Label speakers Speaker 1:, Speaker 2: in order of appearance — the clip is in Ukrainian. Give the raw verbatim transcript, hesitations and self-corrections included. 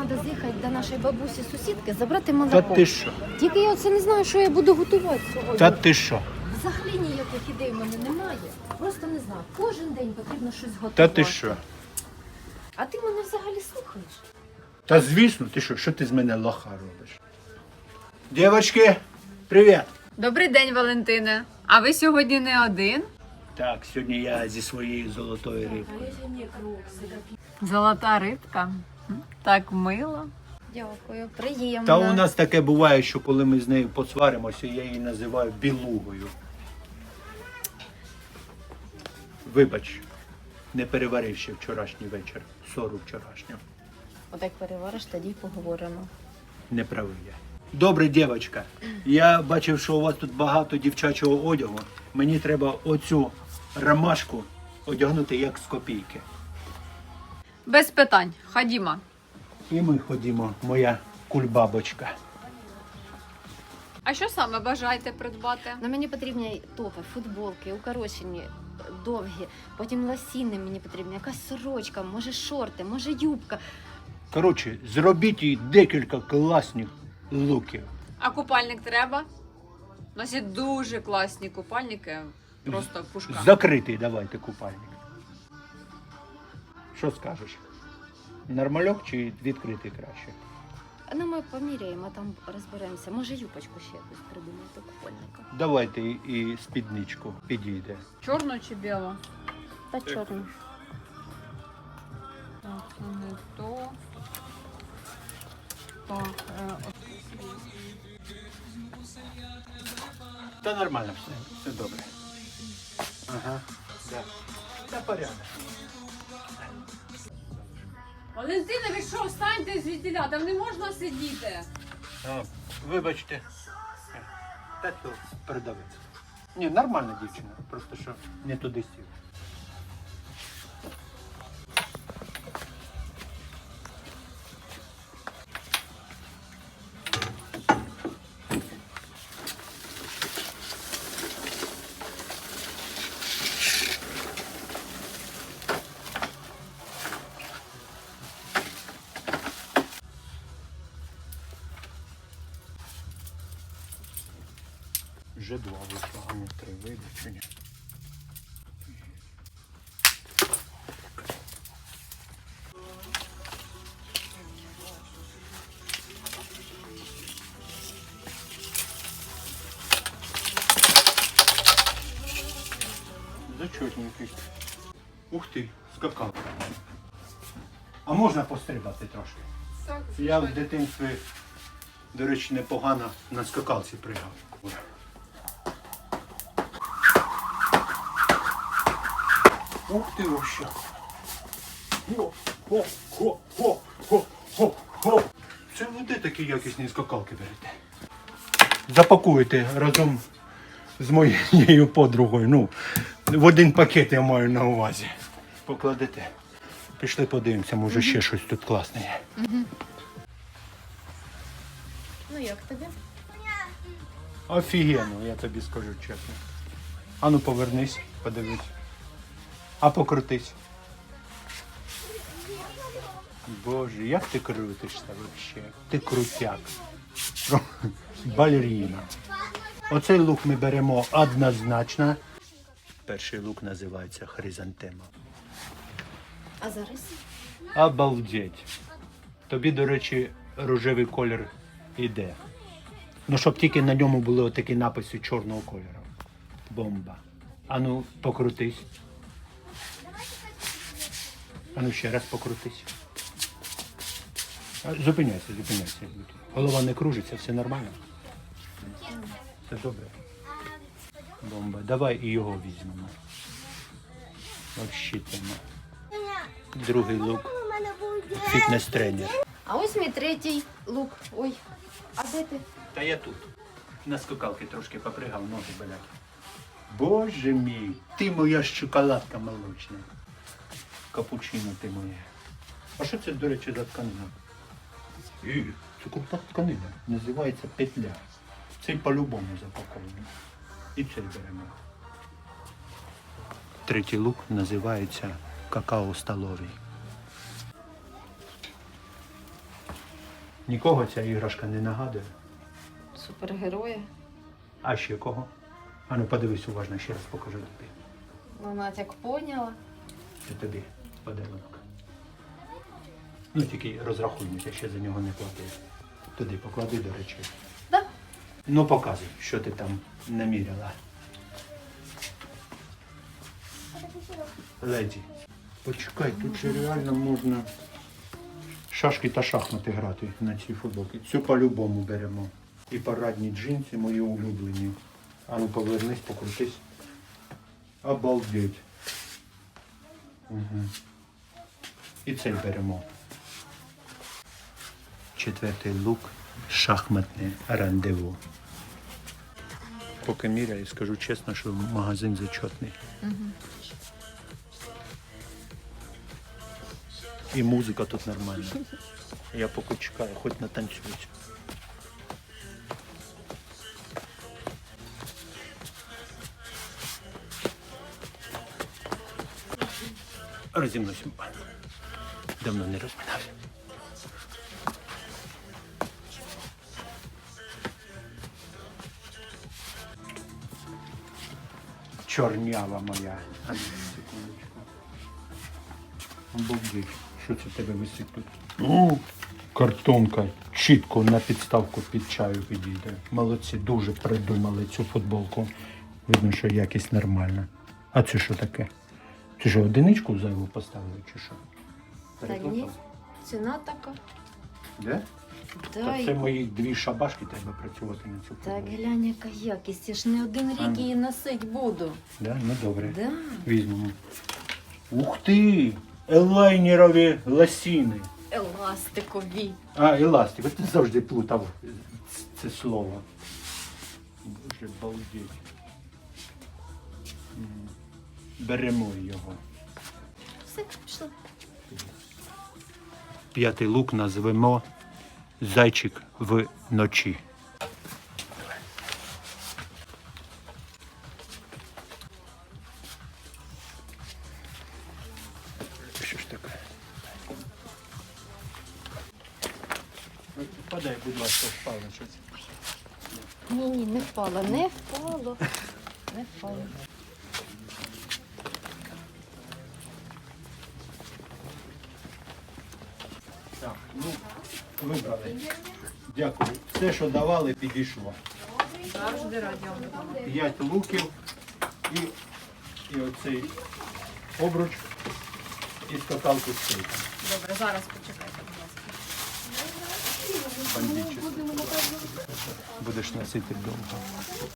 Speaker 1: треба з'їхати до нашої бабусі-сусідки, забрати молоко.
Speaker 2: Та ти що?
Speaker 1: Тільки я оце не знаю, що я буду готувати сьогодні.
Speaker 2: Та ти що?
Speaker 1: Взагалі ніяких ідей в мене немає. Просто не знаю. Кожен день потрібно щось готувати.
Speaker 2: Та ти що?
Speaker 1: А ти мене взагалі слухаєш?
Speaker 2: Та звісно, ти що? Що ти з мене лоха робиш? Дівочки, привіт!
Speaker 3: Добрий день, Валентине. А ви сьогодні не один?
Speaker 2: Так, сьогодні я зі своєю золотою рибкою.
Speaker 3: Золота рибка. М, Так мило.
Speaker 1: Дякую, приємно.
Speaker 2: Та у нас таке буває, що коли ми з нею посваримося, я її називаю білугою. Вибач, не переварив ще вчорашній вечір, ссору вчорашню.
Speaker 1: Отак перевариш, тоді й поговоримо.
Speaker 2: Не правий я. Добре, дівчинка. Я бачив, що у вас тут багато дівчачого одягу. Мені треба оцю ромашку одягнути як з копійки.
Speaker 3: Без питань. Ходімо.
Speaker 2: І ми ходімо, моя кульбабочка.
Speaker 3: А що саме бажаєте придбати?
Speaker 1: На мені потрібні топи, футболки, укорочені, довгі, потім лосіни мені потрібні, якась сорочка, може шорти, може юбка.
Speaker 2: Коротше, зробіть їй декілька класних луків.
Speaker 3: А купальник треба? У нас є дуже класні купальники. Просто пушка.
Speaker 2: Закритий давайте купальник. Що скажеш? Нормальок чи відкритий краще?
Speaker 1: Ну, ми поміряємо, там розберемося. Може юбочку ще якусь придумати до купальника.
Speaker 2: Давайте і- і спідничку підійде.
Speaker 3: Чорну чи білу?
Speaker 1: Та чорну.
Speaker 3: Так, це не то. Так, е, от.
Speaker 2: Та нормально все, все добре. Ага, да. Та порядок.
Speaker 3: Валентина, ви що, встаньте звідтіля, там не можна сидіти.
Speaker 2: А, вибачте. Та то передавець. Ні, нормальна дівчина, просто що не туди сів. Вже два вийшло, а не три вийде чи ні? Зачетненький. Ух ти, скакав. А можна пострибати трошки?
Speaker 3: Так,
Speaker 2: Я в дитинстві, до речі, непогано на скакалці пригав. Ух ти вообще. Хо, хо, хо, хо, хо, хо, хо. Це ви де такі якісні скакалки берете? Запакуєте разом з моєю подругою. Ну, в один пакет я маю на увазі. Покладете. Пішли подивимося, може ще щось тут класне є.
Speaker 1: Ну як тобі?
Speaker 2: Офігенно, я тобі скажу чесно. Ану повернись, подивись. А покрутись. Боже, як ти крутишся взагалі? Ти крутяк. Балеріна. Оцей лук ми беремо однозначно. Перший лук називається хризантема.
Speaker 1: А зараз?
Speaker 2: Обалдеть. Тобі, до речі, рожевий колір іде. Ну, щоб тільки на ньому були отакі написи чорного кольору. Бомба. Ану, покрутись. Ану, ще раз покрутись. А, Зупиняйся, зупиняйся. Голова не кружиться, все нормально? Все добре. Бомба. Давай і його візьмемо. Вообще тема. Другий лук. Фітнес-тренер.
Speaker 1: А ось мій третій лук. Ой, а де ти?
Speaker 2: Та я тут. На скакалки трошки попригав, ноги болять. Боже мій, ти моя шоколадка молочна. Капучино ти моя. А що це, до речі, за тканина? І, це крута тканина. Називається петля. Цей по-любому запакований. І цей беремо. Третій лук називається какао столовий. Нікого ця іграшка не нагадує.
Speaker 1: Супергерої.
Speaker 2: А ще кого? А ну подивись уважно, ще раз покажу тобі.
Speaker 1: Ну, Надя поняла.
Speaker 2: Це тобі подарунок. Ну тільки розрахуймося, ще за нього не платив. Туди поклади, до речі.
Speaker 1: Да.
Speaker 2: Ну показуй, що ти там наміряла. Леді. Почекай, тут же реально можна шашки та шахмати грати на цій футболці. Цю по-любому беремо. І парадні джинси мої улюблені. А ну повернись, покрутись. Обалдеть. Угу. І цей беремо. Четвертий лук. Шахматне рандеву. Поки міряю, скажу чесно, що магазин зачетний.
Speaker 1: Угу.
Speaker 2: І музика тут нормальна. Я поки чекаю, хоч натанцюють. Розімнусь. Давно не розминався. Чорнява моя. А, секундочку. Обалдеть. Що це в тебе висить тут? О, картонка. Чітко на підставку під чаю підійде. Молодці, дуже придумали цю футболку. Видно, що якість нормальна. А це що таке? Це що, одиничку зайву поставили чи що?
Speaker 1: Та ні, ціна така.
Speaker 2: Де?
Speaker 1: Да,
Speaker 2: Та
Speaker 1: і-
Speaker 2: це мої дві шабашки треба працювати на цю
Speaker 1: Так
Speaker 2: футболку.
Speaker 1: глянь, яка якість. Я ж не один
Speaker 2: А ну.
Speaker 1: рік її носить буду.
Speaker 2: Да? Ну добре.
Speaker 1: Да.
Speaker 2: Візьмемо. Ух ти! Елайнерові ласіни.
Speaker 1: Еластикові.
Speaker 2: А, еластик. От ти завжди плутав ц- це слово. Боже, балдеть. М. Беремо його.
Speaker 1: Все, пішла.
Speaker 2: П'ятий лук назвемо «Зайчик вночі». Що ж таке? Подай, будь ласка, впало щось.
Speaker 1: Ні, ні, не впало, не впало. Не впало.
Speaker 2: Так, ну, вибрали. Дякую. Все, що давали, підійшло.
Speaker 3: Завжди раді вам допомогти.
Speaker 2: П'ять луків і, і оцей обруч і скакалку з кейком.
Speaker 3: Добре, зараз почекайте, будь ласка.
Speaker 2: Бандитчик. Будеш носити довго.